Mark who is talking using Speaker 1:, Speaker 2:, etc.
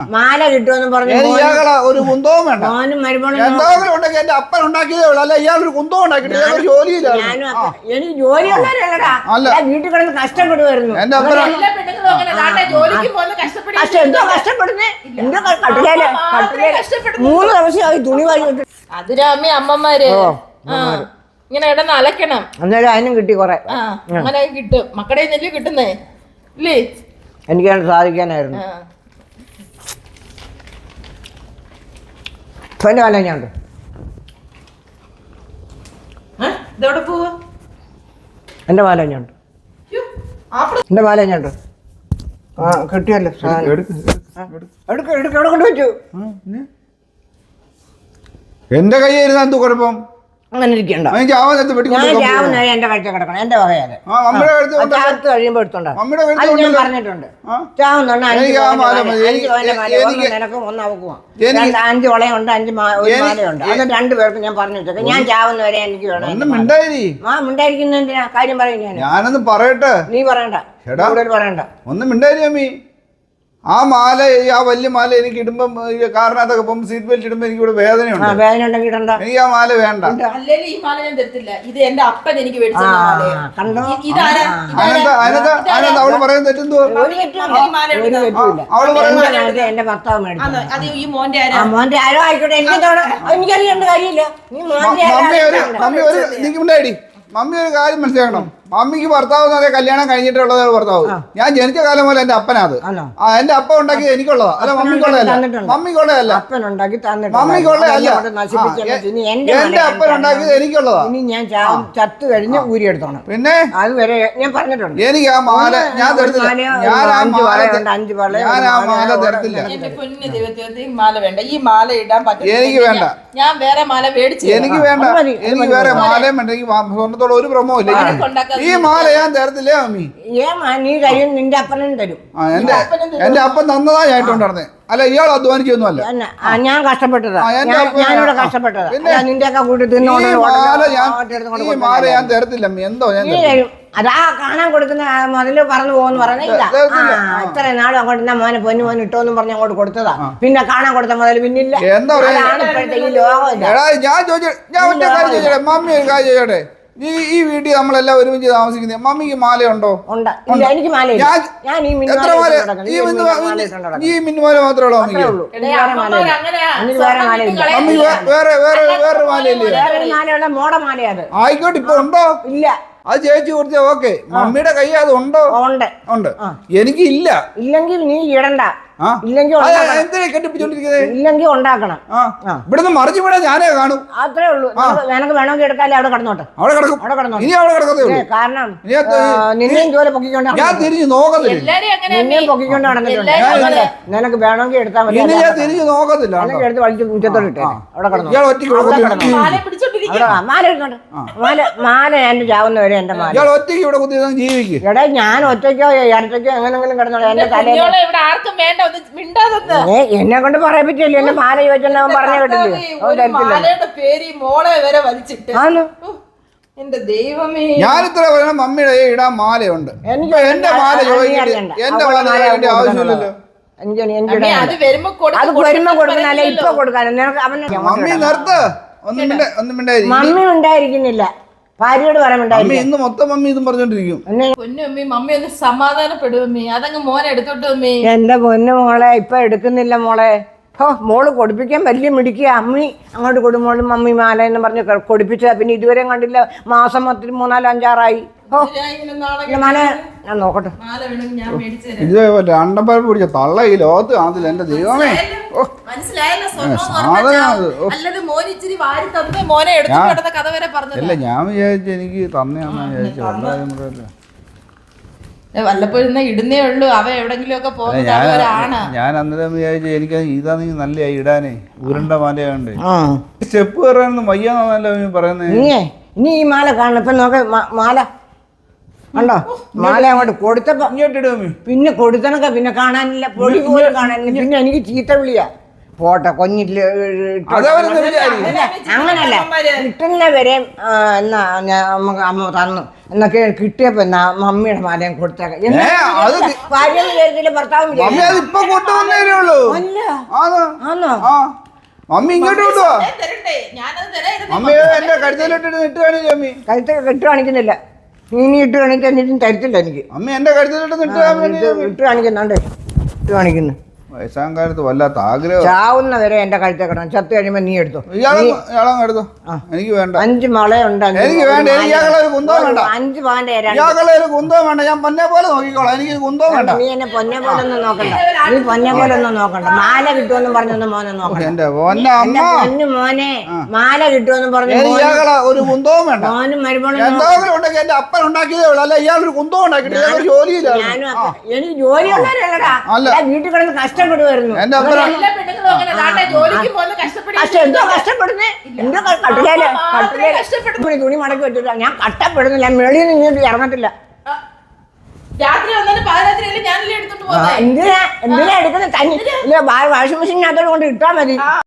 Speaker 1: മാല കിട്ടുമെന്ന് പറഞ്ഞു
Speaker 2: ഒരു കുന്തവും വേണ്ട.
Speaker 1: മോനും മരുമോനും
Speaker 2: എന്തെങ്കിലും ഉണ്ടെങ്കിൽ എന്റെ അപ്പൻ ഉണ്ടാക്കിയതേ ഉള്ളൂ. അല്ല ഇയാളൊരു കുന്തവും ഉണ്ടാക്കിയിട്ട് ജോലിയില്ല.
Speaker 1: എനിക്ക് ജോലിയുള്ളവരല്ലടാ, വീട്ടിൽ കിടന്ന് കഷ്ടപ്പെടുമായിരുന്നു.
Speaker 2: എന്റെ അപ്പൻ
Speaker 1: കഷ്ടപ്പെടുന്നേ 3 ദിവസമായി തുണി വാങ്ങിട്ട്.
Speaker 3: അതിരാമ്മ അമ്മമാര് ഇങ്ങനെ ഇടന്ന് അലക്കണം.
Speaker 1: അന്നേരം അതിനും കിട്ടി കൊറേ.
Speaker 3: അങ്ങനെ കിട്ടും. മക്കളുടെ നെല്ല് കിട്ടുന്നേ ഇല്ലേ?
Speaker 1: എനിക്കത് സാധിക്കാനായിരുന്നു. എന്റെ മാല ഞാനുണ്ട്.
Speaker 3: ഇതെവിടെ പോവാ?
Speaker 1: എന്റെ മാല ഞാനുണ്ട്. എന്റെ മാല ഞാനുണ്ട്. കിട്ടിയല്ലോ. എവിടെ കൊണ്ട് വെച്ചു?
Speaker 2: എന്റെ കയ്യായിരുന്നു എന്ത് കുഴപ്പം?
Speaker 1: അങ്ങനെ ഇരിക്കണ്ട. ഞാൻ രാവുന്ന എന്റെ കഴിച്ച കിടക്കണം. എന്റെ വകയാണ്. ചാത്ത് കഴിയുമ്പോ എടുത്തോണ്ടാ. ഞാൻ പറഞ്ഞിട്ടുണ്ട്. ചാവുന്നുണ്ട് 5 നിനക്കും 1 അവക്കുവാ. 5 വളയുണ്ട്, 5 മാലയുണ്ട്. അത് 2 പേർക്കും ഞാൻ പറഞ്ഞു വെച്ചേക്കാം. ഞാൻ ചാവുന്നവരെ എനിക്ക് വേണം. മിണ്ടായിരിക്കുന്നതിന്റെ കാര്യം പറയും.
Speaker 2: ഞാനൊന്ന് പറയട്ടെ.
Speaker 1: നീ പറയണ്ട, കൂടുതൽ പറയണ്ട.
Speaker 2: ഒന്നും മിണ്ടായി അമ്മി. ആ മാല, ആ വലിയ മാല എനിക്ക് ഇടുമ്പം കാറിനകത്തൊക്കെ പോകുമ്പോൾ സീറ്റ് ബെൽറ്റ് ഇടുമ്പോ എനിക്ക് ഇവിടെ വേദനയുണ്ട്. എനിക്ക് ആ മാല വേണ്ട.
Speaker 3: ഈ മാല ഞാൻ തരത്തില്ല. ഇത് എന്റെ അപ്പൻ എനിക്ക്
Speaker 2: അവള് പറയുന്നത് തെറ്റെന്തോ? അവള് പറയുന്നത്
Speaker 1: എന്റെ ഭർത്താവ് മോന്റെ ആരോ ആയിക്കോട്ടെ, എനിക്കറിയേണ്ട കാര്യമില്ല.
Speaker 2: മമ്മി ഒരു കാര്യം മനസ്സിലാക്കണം. മമ്മിക്ക് ഭർത്താവ് എന്ന് പറയാൻ കല്യാണം കഴിഞ്ഞിട്ടുള്ളത് ഭർത്താവ്. ഞാൻ ജനിച്ച കാലം പോലെ എന്റെ അപ്പനത്. എന്റെ അപ്പ ഉണ്ടാക്കിയത് എനിക്കുള്ളതാ. അല്ല മമ്മിക്കുള്ളതല്ല. മമ്മിക്കുള്ളതല്ല. മമ്മിക്കുള്ളതല്ല. എന്റെ അപ്പൻ ഉണ്ടാക്കിയത് എനിക്കുള്ളതാ.
Speaker 1: ഞാൻ ചത്ത് കഴിഞ്ഞ് ഊരിയെടുത്തോണം.
Speaker 2: പിന്നെ
Speaker 1: അതുവരെ ഞാൻ പറഞ്ഞിട്ടുണ്ട്.
Speaker 2: എനിക്ക് ആ മാല ഞാൻ തരത്തില്ല. ഞാൻ ആ മാല തരത്തില്ല.
Speaker 3: മാല വേണ്ട. ഈ മാല ഇടാൻ പറ്റില്ല.
Speaker 2: എനിക്ക് വേണ്ട.
Speaker 3: ഞാൻ വേറെ മാല മേടിച്ചു.
Speaker 2: എനിക്ക് വേണ്ട. എനിക്ക് വേറെ മാലയും വേണ്ട. എനിക്ക് സ്വർണ്ണത്തോളം ഒരു ഭ്രമവും ഇല്ല. ഈ മാല ഞാൻ തരത്തില്ലേ മമ്മി?
Speaker 1: നീ തരും, നിന്റെ അപ്പനും തരും.
Speaker 2: എന്റെ അപ്പൻ തന്നതാ ഞാൻ ഇട്ടുണ്ടായിരുന്നേ. അല്ല ഇയാൾ അധ്വാനിക്കൊന്നും അല്ല.
Speaker 1: ഞാൻ കഷ്ടപ്പെട്ടതാ. ഞാനിവിടെ കഷ്ടപ്പെട്ടതാ. നിന്റെയൊക്കെ കൂട്ടി
Speaker 2: ഈ മാല ഞാൻ തരത്തില്ല. എന്തോ ഞാൻ
Speaker 1: അതാ കാണാൻ കൊടുക്കുന്ന മുതല് പറഞ്ഞു പോകുന്നു പറഞ്ഞില്ല. ഇത്ര നാളും അങ്ങോട്ട് മോനെ പൊന്നു ഇട്ടോന്നും പറഞ്ഞ് അങ്ങോട്ട് കൊടുത്തതാ. പിന്നെ കാണാൻ കൊടുത്ത മുതല് പിന്നില്ല.
Speaker 2: എന്താ
Speaker 1: ഇപ്പോഴത്തെ ഈ ലോകം.
Speaker 2: ഞാൻ ഒറ്റ കാര്യം ചോദിച്ചോട്ടെ. മമ്മി ഒരു കാര്യം ചോദിച്ചോട്ടെ. ഈ വീട്ടിൽ നമ്മളെല്ലാം ഒരുമിച്ച് താമസിക്കുന്നത്. മമ്മിക്ക് മാലയുണ്ടോ?
Speaker 1: എനിക്ക് മാല.
Speaker 2: എത്ര മാല? ഈ മിന്നുമാല മാത്രമേ ഉള്ളൂ മമ്മിക്ക്? മമ്മിക്ക് വേറെ മാലയില്ലേ?
Speaker 1: മോടമാലയത്
Speaker 2: ആയിക്കോട്ടെ. ഇപ്പൊ ഉണ്ടോ?
Speaker 1: ഇല്ല.
Speaker 2: അത് ചേച്ചി കൊടുത്ത ഓക്കെ. മമ്മിയുടെ കൈ അത് ഉണ്ടോ? ഉണ്ട്. എനിക്ക് ഇല്ല.
Speaker 1: ഇല്ലെങ്കിൽ നീ ഇടണ്ട. ഇല്ലെങ്കിൽ ഉണ്ടാക്കണം.
Speaker 2: ഇവിടുന്ന് മറിച്ച് വിടാൻ ഞാനേ കാണൂ.
Speaker 1: അത്രേ ഉള്ളൂ. നിനക്ക് വേണമെങ്കിൽ എടുക്കാല്ലേ അവിടെ കിടന്നോട്ടെ.
Speaker 2: അവിടെ കിടക്കും. ഇനി അവിടെ കിടക്കത്തേ ഉള്ളൂ.
Speaker 1: കാരണം നിന്നെയും ജോലി പൊക്കിക്കൊണ്ട്
Speaker 2: ഞാൻ തിരിഞ്ഞു നോക്കത്തില്ല.
Speaker 1: നിന്നെയും പൊക്കിക്കൊണ്ട് നടന്നിട്ടുണ്ട്. നിനക്ക് വേണമെങ്കിൽ എടുത്താൽ മതി.
Speaker 2: ഞാൻ തിരിഞ്ഞു നോക്കത്തില്ല.
Speaker 1: എടുത്ത് വലിച്ച് മുറ്റത്തോട്ട് ഇട്ടേ അവിടെ കിടന്നു. മാല എടുത്തോണ്ട് മാല എന്റെ ചാവുന്നവരെ എന്റെ മാല.
Speaker 2: ഇയാൾ ഒറ്റയ്ക്ക് ഇവിടെ കുത്തി ജീവിക്കും.
Speaker 1: എടാ ഞാൻ ഒറ്റയ്ക്കോ ഇരട്ടയ്ക്കോ എങ്ങനെങ്കിലും കിടന്നോളൂ. എന്റെ തലയിൽ എന്നെ കൊണ്ട് പറയാൻ പറ്റില്ല. എന്റെ മാല ചോദിച്ചാൽ പറഞ്ഞു കേട്ടില്ലേ?
Speaker 2: ഞാൻ ഇത്ര പറയണം. മമ്മിയുടെ ഇടാൻ മാലയുണ്ട്. എനിക്ക് എന്റെ മാല ചോദിച്ചിട്ട് എന്റെ മാല ആവശ്യമില്ലല്ലോ.
Speaker 1: അത് വരുമ്പോ കൊടുക്കാനല്ലേ ഇപ്പൊ കൊടുക്കാനും.
Speaker 2: മമ്മി നിർത്ത്.
Speaker 1: മമ്മി ഉണ്ടായിരിക്കുന്നില്ല. ഭാര്യയോട് പറയാൻ
Speaker 2: ഇന്ന് മൊത്തം മമ്മി ഇതും പറഞ്ഞോണ്ടിരിക്കും.
Speaker 3: മമ്മി ഒന്ന് സമാധാനപ്പെടുമമ്മി. അതങ്ങ് മോനെ എടുത്തോട്ട് മമ്മി.
Speaker 1: എന്റെ പൊന്നു മോളെ ഇപ്പൊ എടുക്കുന്നില്ല മോളെ. മോള് കൊടുപ്പിക്കാൻ വലിയ മിടിക്കുക. അമ്മി അങ്ങോട്ട് കൊടുമോളും മമ്മി മാല എന്ന് പറഞ്ഞ് കൊടുപ്പിച്ച. പിന്നെ ഇതുവരെ കണ്ടില്ല. മാസം 3, 4, 5, 6 മാല. ഞാൻ നോക്കട്ടെ.
Speaker 2: ഇതേപോലെ അണ്ടപ്പരപ്പ് പിടിച്ച തള്ള ഈ ലോകത്ത് കാണത്തില്ല. എന്റെ ദൈവമേ. അല്ല ഞാൻ വിചാരിച്ചു എനിക്ക് തന്നെയാണെന്ന് വിചാരിച്ചു.
Speaker 3: വല്ലപ്പോഴും ഇടുന്നേ ഉള്ളൂ. അവ എവിടെങ്കിലും ഒക്കെ
Speaker 2: ഞാൻ അന്നേരം വിചാരിച്ചു എനിക്ക് ഇതാ നല്ല ഇടാനേ. ഉരുണ്ട മാലയാണ്ട് സ്റ്റെപ്പ് കയറാനൊന്നും വയ്യാന്നല്ലോ പറയുന്നത്.
Speaker 1: ഇനി ഈ മാല കാണണം. ഇപ്പൊ നോക്ക മാല കണ്ടോ? മാല അങ്ങോട്ട് കൊടുത്തപ്പോ പിന്നെ കൊടുത്തനൊക്കെ പിന്നെ കാണാനില്ല. പൊടി പോലും കാണാനില്ല. പിന്നെ എനിക്ക് ചീത്ത വിളിയാ. പോട്ടെ കൊഞ്ഞിട്ട് അങ്ങനല്ല. കിട്ടുന്ന വരെ നമുക്ക് അമ്മ തന്നു എന്നൊക്കെ കിട്ടിയപ്പോ മമ്മിയുടെ മാലയും കൊടുത്തേക്കാം. ഭർത്താവും
Speaker 2: അല്ല
Speaker 1: ആന്നോ?
Speaker 2: ആ മമ്മി ഇങ്ങോട്ട് കൊണ്ടുവാ.
Speaker 3: ഞാൻ തരട്ടെ, ഞാനത് തരായിരുന്നു.
Speaker 2: മമ്മി എന്റെ കഴുത്തിലിട്ടിട്ട് ഇട്ട് കാണിച്ചു മമ്മി.
Speaker 1: കഴുത്ത് കെട്ട് കാണിക്കുന്നില്ല. നീ ഇട്ട് കാണിക്കാൻ എന്നിട്ടും തരത്തില്ല എനിക്ക്.
Speaker 2: മമ്മി എന്റെ കഴുത്തിലിട്ട്
Speaker 1: ഇട്ട് കാണിക്കുന്നുണ്ട്, ഇട്ട് കാണിക്കുന്നു.
Speaker 2: വയസ്സാം കാലത്ത് വല്ലാത്ത ആഗ്രഹം.
Speaker 1: ചാവുന്ന വരെ എന്റെ കഴുത്തെ കിടണം. ചത്ത് കഴിയുമ്പോ നീ എടുത്തോ.
Speaker 2: ഇയാളങ്ങ് എടുത്തോ. എനിക്ക് വേണ്ട.
Speaker 1: 5 വളയുണ്ട്.
Speaker 2: എനിക്ക് വേണ്ട. എനിക്ക് ഇയാളെ ഒരു കുന്തവും വേണ്ട.
Speaker 1: 5 പവന്റെ
Speaker 2: ഇയാളെ ഒരു കുന്തവും വേണ്ട. ഞാൻ പൊന്നെ പോലെ നോക്കിക്കോളാം. എനിക്ക് കുന്തവും വേണ്ട.
Speaker 1: നീ എന്നെ പൊന്നെ പോലെ ഒന്നും നോക്കണ്ട. നീ പൊന്നെ പോലെ ഒന്നും നോക്കണ്ട. മാല കിട്ടുമെന്നും പറഞ്ഞൊന്നും മോനെ നോക്കണ്ട.
Speaker 2: എന്റെ പൊന്നെ അമ്മ,
Speaker 1: പൊന്നു മോനെ മാല കിട്ടുമെന്നും പറഞ്ഞു
Speaker 2: ഇയാളെ ഒരു കുന്തവും വേണ്ട.
Speaker 1: മോനും മരുമോളും
Speaker 2: എന്തെങ്കിലും ഉണ്ടെങ്കിൽ എന്റെ അപ്പൻ ഉണ്ടാക്കിയതേ ഉള്ളൂ. അല്ല ഇയാളൊരു കുന്തവും ഉണ്ടാക്കിയിട്ട് ഇയാളൊരു ജോലിയില്ല.
Speaker 1: എനിക്ക് ജോലിയുള്ളവരല്ലടാ. വീട്ടിൽ കിടന്ന് കഷ്ടപ്പെടുമായിരുന്നു.
Speaker 2: എന്റെ അപ്പൻ
Speaker 3: എല്ലാ പെണ്ണുങ്ങളും അങ്ങനെ നാട്ടെ ജോലിക്ക് പോകുന്ന
Speaker 1: എന്തോ കഷ്ടപ്പെടുന്നേ. എന്തോ കട്ടിലേ തുണി മടക്കി വെച്ചിട്ടാ. ഞാൻ കഷ്ടപ്പെടുന്നില്ല. മെളിയിൽ നിന്ന് ഇങ്ങോട്ട് ഇറങ്ങത്തില്ല.
Speaker 3: രാത്രി വന്നാലും പാതിരാത്രിയല്ലേ ഞാനല്ലേ എടുത്തോണ്ട് പോകുന്നത്.
Speaker 1: എന്തിനാ എടുക്കുന്നത്? വാഷിംഗ് മെഷീനകത്തോട് കൊണ്ട് ഇട്ടാ മതി.